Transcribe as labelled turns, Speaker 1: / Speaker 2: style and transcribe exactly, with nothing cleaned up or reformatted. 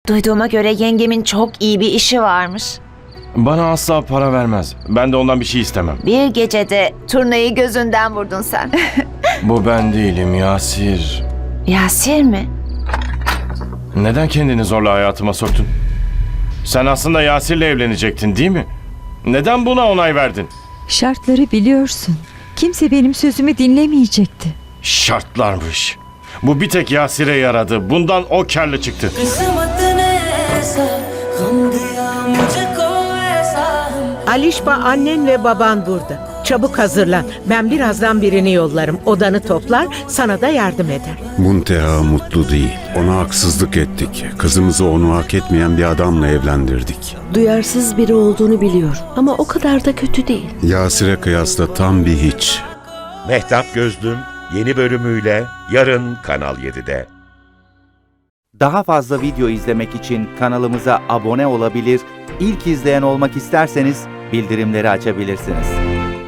Speaker 1: Duyduğuma göre yengemin çok iyi bir işi varmış.
Speaker 2: Bana asla para vermez. Ben de ondan bir şey istemem.
Speaker 1: Bir gecede turnayı gözünden vurdun sen.
Speaker 2: Bu ben değilim Yasir.
Speaker 1: Yasir mi?
Speaker 2: Neden kendini zorla hayatıma soktun? Sen aslında Yasir'le evlenecektin değil mi? Neden buna onay verdin?
Speaker 3: Şartları biliyorsun. Kimse benim sözümü dinlemeyecekti.
Speaker 2: Şartlarmış. Bu bir tek Yasir'e yaradı. Bundan o kârlı çıktı.
Speaker 4: Alişba, annen ve baban burada. Çabuk hazırlan. Ben birazdan birini yollarım. Odanı toplar, sana da yardım eder.
Speaker 5: Munteha mutlu değil. Ona haksızlık ettik. Kızımızı onu hak etmeyen bir adamla evlendirdik.
Speaker 6: Duyarsız biri olduğunu biliyorum ama o kadar da kötü değil.
Speaker 5: Yasir'e kıyasla tam bir hiç.
Speaker 7: Mehtap Gözlüm yeni bölümüyle yarın Kanal yedide.
Speaker 8: Daha fazla video izlemek için kanalımıza abone olabilir, ilk izleyen olmak isterseniz bildirimleri açabilirsiniz.